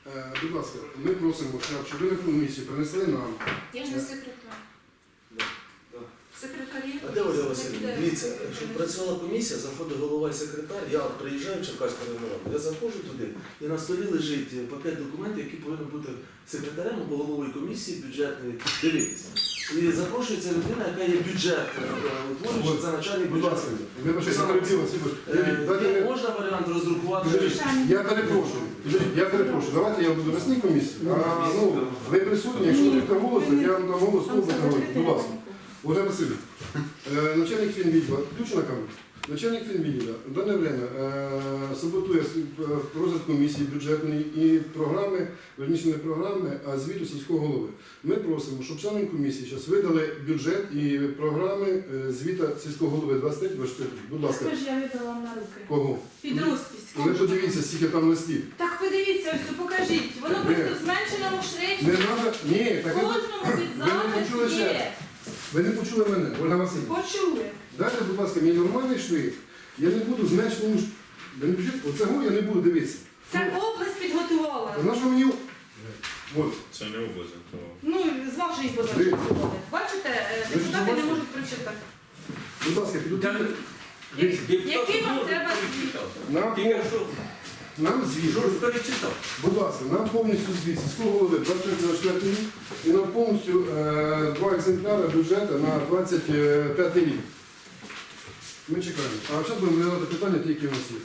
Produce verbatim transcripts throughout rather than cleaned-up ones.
Е, Будь ласка, ми просимо, щоб ви на комісію принесли нам. Я ж не секретар. Секретарі. А де Оля Васильівна? Дивіться, щоб працювала комісія, заходить голова і секретар, я от приїжджаю в Черкаську районну раду, я заходжу туди, і на столі лежить пакет документів, які повинні бути секретарем або головою комісії бюджетної. Дивіться. І запрошується людина, яка є бюджет утворюючи за начальник Будь ласка, бюджету. ви бачите, я перебив вас, Е, дайте є- мені- Можна варіант роздрукувати? Я перепрошую, я перепрошую. Давайте я буду на сній комісії. А, ну, ви присутні, якщо будете голосу, я вам дам голос, ну, будете говорити. Будь ласка. Олег Васильович, е, начальник фінвідділу, включена камера? Начальник фінвідділу в дане время е, саботує е, розгляд комісії бюджетної і програми, верніше не програми, а звіту сільського голови. Ми просимо, щоб членам комісії зараз видали бюджет і програми е, звіта сільського голови двадцять три двадцять чотири. Будь ласка. Також я видала вам на руки. Кого? Під розпис. Ви подивіться, скільки там листів. Так подивіться, ось покажіть. Воно Ні. просто в зменшеному шрифті. Не треба? Ні, В так ви, кожному ви не почули підзапис ще. є. Ви не почули мене, Ольга Васильівна. Почули. Дайте, будь ласка, мені нормальний шрифт. Я не буду зменшеному ш- Ви не пишіть, оцього я не буду дивитися. Це область підготувала. На що мені... От. Це не область. то- Ну, з вашої подачі. Дивіться. Бачите, е, Ви ж депутати не бачите? можуть прочитати. Будь ласка, підготуйте. Який вам треба звіт? Нам, Тільки що, нам звіт. що ж перечитав? Будь ласка, нам повністю звіт сільського голови двадцять три двадцять четвертий рік і нам повністю е, два екземпляри бюджету на двадцять п'ятий рік. Ми чекаємо. А зараз будемо розглядати питання, ті, які у нас є.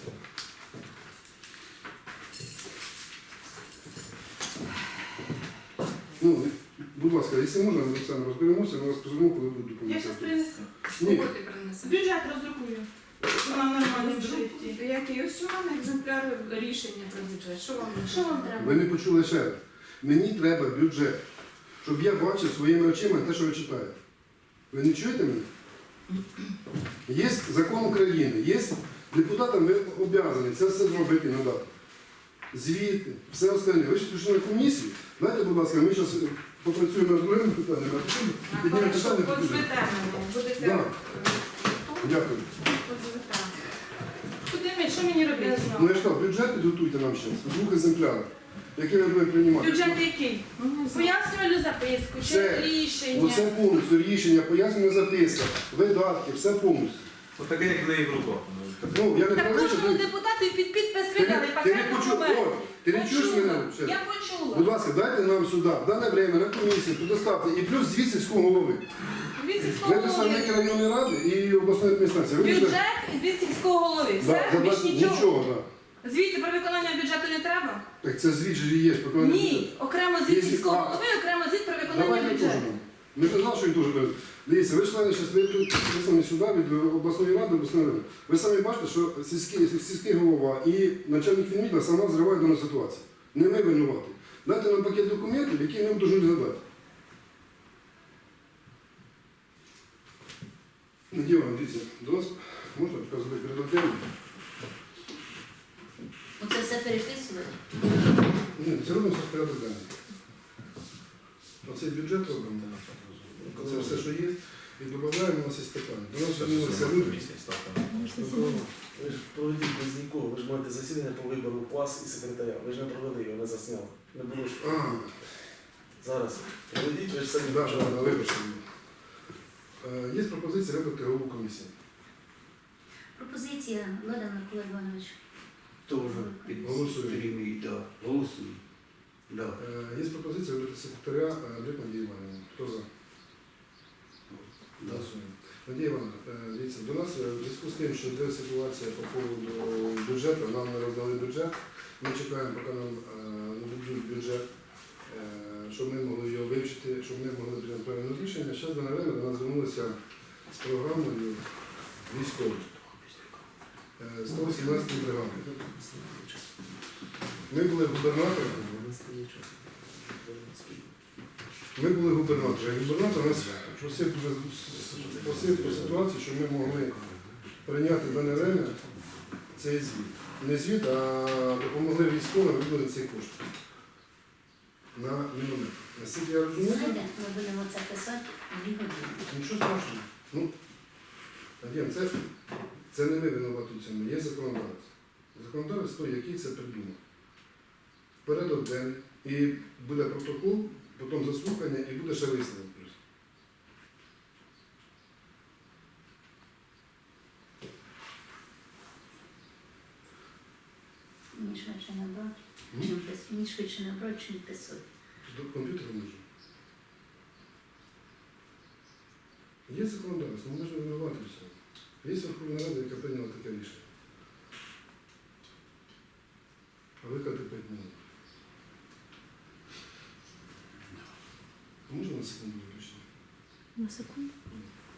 Ну, будь ласка, якщо можна, ми саме розберемося, ми вас позовемо, коли будуть Я документи. зараз принесу. Ні, Кого ти принесеш? Бюджет роздрукую. На нормальному шрифті. Який ось у мене екземпляр рішення про бюджет. Що вам Що вам треба? ви не почули ще раз. Мені треба бюджет, щоб я бачив своїми очима те, що ви читаєте. Ви не чуєте мене? Є закон України, є депутатам ви обов'язані це все зробити і надати. Звіти, все остальне. Ви ж прийшли на комісію. Дайте, будь ласка, ми зараз попрацюємо над другими питаннями, а потім піднімемо питання. От підпишемо. звете мене. Будете... Да. е, Дякую. От звете. Куди ми? Що мені робити? Ну я ж кажу, бюджет підготуйте нам зараз, в двох екземплярах, які ви будете приймати. Бюджет який? Пояснювальну записку, чи Все. рішення? Оце повністю рішення, пояснення записка, видатки, все повністю. Отаке, як в неї в руках. Ну, я не Так правий, що кожному ти... депутату під підпис Ти видали не- ти не пакет почув, документів. Оль, ти не чуєш Почула. мене? Ще? Я почула. Будь ласка, дайте нам сюди, в дане время на комісію, предоставте, і плюс звіт сільського голови. Від Ми сільського представники голови. районної ради і обласної адміністрації. Ви Бюджет бачите? і від сільського голови. Да, Все, за більш двадцять- нічого. Нічого, да. Звіти про виконання бюджету не треба? Так це звіт же є. поки вони- Ні. Окремо звіт Є звіт- сільського а. голови, окремо звіт про виконання Давайте теж бюджету. нам. Ми ж знали, що він теж буде. Дивіться, ви члени зараз ви тут прислані сюди від обласної ради, обласної ради. Ви самі бачите, що сільський, сільський голова і начальник фінміда сама зриває дану ситуацію. Не ми винуваті. Дайте нам пакет документів, які ми повинні задати. Надія Івановна, дивіться, до нас можна показувати перед тему? Оце все переписувати? Ні, це робимо все в порядок денний. Оцей бюджет робимо. Це все, що є, і додаємо, у нас є питання. До нас звернулися люди. Комісія ставка. Ви ж проведіть без нікого, ви ж маєте засідання по вибору вас і секретаря. Ви ж не провели його, не засняли. Не було ж. А, Зараз. Проведіть, ви ж самі да, да, почали. да, вибачте. Е, Є пропозиція вибрати голову комісії. Пропозиція, Ладан Микола Іванович. Теж Голосуємо. підтримують, да. Голосують. Да. Е, Є пропозиція вибрати секретаря е, Дріб Надії Іванівни. Хто за? Да. Голосуємо. Надія Івановна, е, дивіться, до нас е, в зв'язку з тим, що йде ситуація по поводу бюджету, нам не роздали бюджет, ми чекаємо, поки нам е, нададуть бюджет, е, щоб ми могли його вивчити, щоб ми могли прийняти правильне рішення. Зараз до наверное, до нас звернулися з програмою військовою. Е, сто вісімнадцята бригада. Ми були губернатором, ми були губернатором. Губернатор нас просив дуже просив по ситуації, щоб ми могли прийняти в дане время цей звіт. Не звіт, а допомогли військовим виділити цей кошт на міномет. Наскільки я розумію, Знаєте, ми будемо це писати дві години. нічого страшного. Ну, Надія, це, це не ми винуваті в цьому, є законодавець. Законодавець той, який це придумав. порядок денний, і буде протокол, потім заслухання, і буде ще висновок. плюс. Мені швидше набрати, М? чим пис- мені швидше набрати, чим писати. До комп'ютера можу. Є законодавство, ми можемо винувати все. Є Верховна Рада, яка прийняла таке рішення. А викати п'ять минут. А можна на секунду виключити? На секунду. Ні.